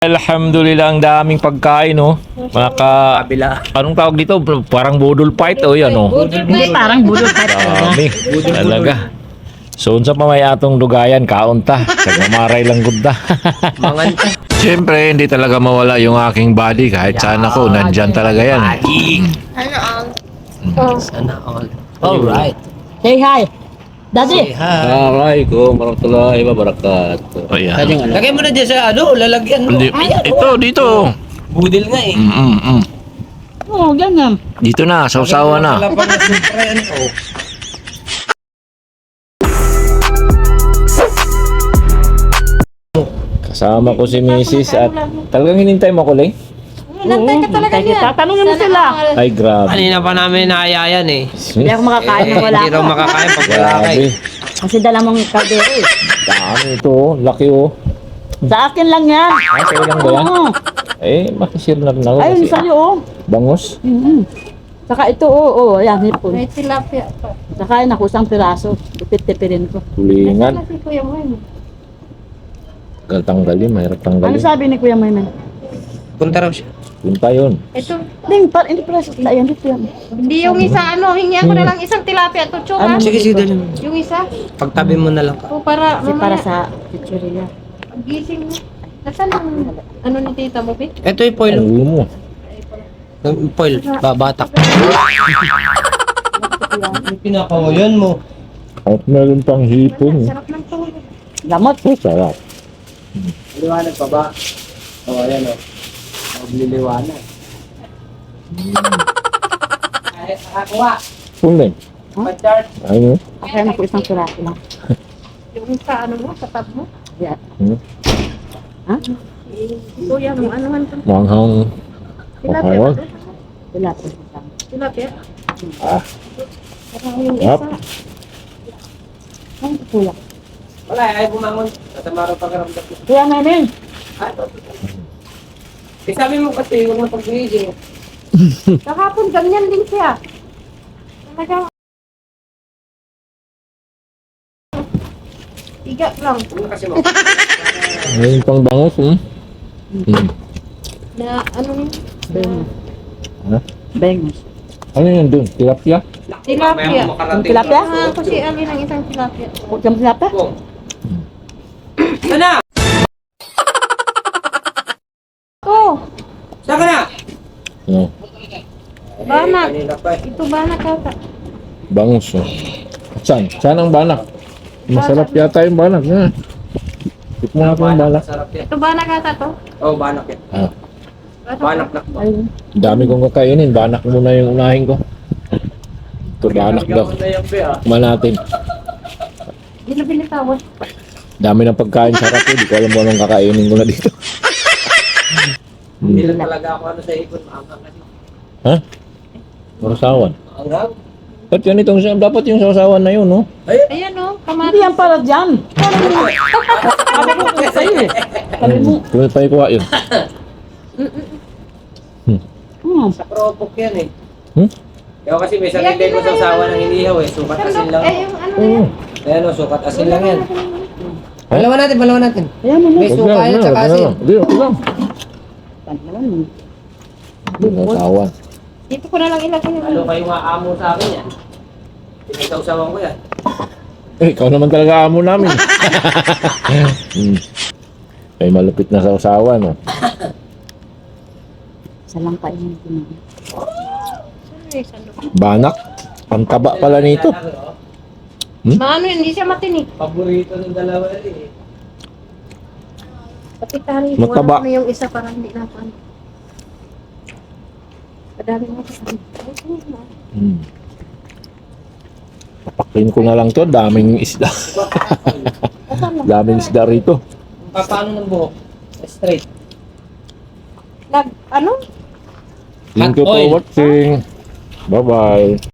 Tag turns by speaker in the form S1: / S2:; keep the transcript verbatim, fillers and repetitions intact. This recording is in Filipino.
S1: Alhamdulillah, ang daming pagkain, no? Mga ka...
S2: Kabila.
S1: Anong tawag dito? Parang budol fight, o yan, no?
S3: Hindi, parang budol type talaga.
S1: Dami. Talaga. So, unsa pa may atong dugayan, kaunta. Nagmamaray lang gudda.
S2: Manganta.
S1: Siyempre, hindi talaga mawala yung aking body. Kahit saan ako, nandyan talaga yan.
S2: Sana all. Alright.
S3: Say hi. Daddy.
S4: Assalamualaikum warahmatullahi wabarakatuh.
S1: O yan.
S2: Lagay mo na dyan sa ano, lalagyan mo.
S1: Hindi, ito, dito.
S2: Budil nga eh.
S1: Mm, mm, mm.
S3: Oo, oh, ganyan.
S1: Dito na, sausawa na.
S2: Wala pang supra yan. Oh.
S1: Kasama ko si Missus at talagang hinintay mo ko, Leng?
S5: Nantay ka talaga
S3: Thank you.
S5: niya.
S3: Tatanungin mo sila.
S1: Ay, grabe.
S2: Kanina pa namin naayayan eh.
S3: Hindi ako makakain
S2: Eh,
S3: ng wala
S2: Hindi raw
S3: ka.
S2: makakain pag wala ka
S1: Grabe.
S2: eh.
S3: Kasi dala mong kaldero eh.
S1: Dami ito, oh. Laki, oh.
S3: Sa akin lang yan.
S1: Ay, sa'yo lang ba yan?
S3: Oo.
S1: Eh, makishare na rin ako.
S3: Ayun
S1: kasi
S3: sa'yo oh.
S1: Bangos.
S3: Mm-hmm. Saka ito oo, oh, oh, yan hipon.
S5: May tilapia pa.
S3: Saka yun ako isang piraso. Tipid-tipirin ko.
S1: Tulingan.
S5: Kasi kuya mo yun.
S1: Gal tanggalin, mahirap
S3: Ano
S1: tanggalin.
S3: sabi ni Kuya Mayman?
S2: Punta raw siya.
S1: Punta yun.
S5: Ito,
S3: Ding, par, hindi piraso. Ayan, dito yan.
S5: hindi yung isa ano, hingi ako na lang isang tilapia to, chuma.
S3: Ano?
S2: Sige, sige, dali mo.
S5: Yung isa,
S2: Pagtabi mo na lang ka.
S5: o para
S3: Kasi para
S5: mamaya,
S3: sa chichirya.
S5: gising mo. Nasaan ang ano ni tita mo, Vic?
S2: Ito yung foil.
S1: Ang ulo mo.
S2: Yung Foil. Babatak. Pinakawayan mo.
S1: At meron pang hipon.
S5: Sarap ng tulog.
S3: Lamot.
S1: Oh, sarap.
S2: Liwanag pa ba? O, oh, ayan o. Magliliwanag. Ay, nakakuha.
S1: Punleng.
S2: Pa-charge.
S1: Ayun.
S3: Kaya na ko isang piraso lang.
S5: Yung sa ano mo, sa tab mo.
S3: Yan.
S1: Hmm.
S3: Ha?
S5: Kuya mo, ano man to?
S1: Manghang.
S5: Tilapia
S1: Mahawag.
S5: ba to?
S3: Wala po.
S5: Tilapia?
S1: Ah.
S5: Parang yung
S1: Yap.
S5: isa.
S3: Ang kuya.
S2: Wala, ay bumangon. Tatamaro pagkaramdam ko.
S3: Kuya Mayman.
S2: Eh, sabi mo kasi, huwag mo pag-gising.
S5: Kahapon, ganyan din siya. Talagang Iga lang.
S2: Ano kasi mo?
S1: Ayun pang bangos, hmm? Hmm.
S5: Na ano yun?
S3: Bengos.
S1: Ha?
S3: Bengos.
S1: Ano yun dun? Tilapia?
S5: Tilapia.
S3: Ang tilapia?
S5: Ah, kasi alin ang isang tilapia.
S3: Huwag kang tilapia?
S2: Sana!
S5: Oh,
S2: Saan ka na?
S1: No.
S5: banak.
S2: Kanina pa eh.
S5: Ito banak kata.
S1: Bangus, oh. Saan? Saan ang banak? Masarap yata yung banak, ha? Tikman natin yung banak.
S2: Sarap yan.
S5: Ito banak kata to.
S2: Oh, banak yan.
S1: Ah.
S2: Banak na.
S3: Ayun.
S1: Dami kong kakainin. Banak muna yung unahin ko. Ito, banak daw.
S2: Gawin na yan, be, ah.
S1: Tikman natin.
S5: Binabili tawad.
S1: Dami ng pagkain sarap eh. Di ko alam mo anong kakainin ko na dito.
S2: Hindi
S1: Hmm.
S2: lang talaga ako ano sa ikon. Maangang kasi.
S1: Ha? Marusawan.
S2: Maangang?
S1: At yan itong, dapat yung sausawan na yun, no?
S5: Ayan oh,
S3: Hindi
S5: kamatis.
S3: yan para dyan. Sabi ko kaya sa'yo eh. Sabi mo.
S1: Kung pa ikuha yun.
S3: Hmm.
S2: Sa propok yan eh.
S1: Hmm?
S2: Kaya kasi may sarili ko sa sawa ng inihaw eh. Sukat asin
S5: Sandok,
S2: lang.
S5: eh yung ano
S1: Oo.
S5: yan.
S2: Ayan o, sukat asin lang yan. Balawan natin, balawan natin.
S3: Ayan mo
S2: May
S3: na.
S2: suka yan
S1: wag
S2: tsaka
S1: na
S2: asin.
S1: lang. Hindi, okay lang.
S3: Tanggalan mo.
S1: Hindi, sausawan.
S5: Dito ko na lang ilagay yung
S2: Ano kayo maamo sa akin yan? Pinagsasawan ko yan.
S1: Eh, ikaw naman talaga amo namin. hmm. Ay, malupit na sausawan, no?
S3: Isa lang kainin ko na.
S5: Eh, sandok.
S1: Banak. Ang taba pala nito. Hmm?
S5: Maano yun, hindi siya matinik.
S2: Paborito ng dalawa eh.
S5: Kapitahan mo
S1: Mataba.
S5: ano yung isa para hindi na pan. Padami mo sa
S1: Hmm. Papakin ko na lang to. Daming isda. Daming isda rito.
S2: Pa- Paano ng buhok? Straight.
S5: Nag, ano?
S1: Thank you for
S2: Hot oil.
S1: watching. Bye-bye.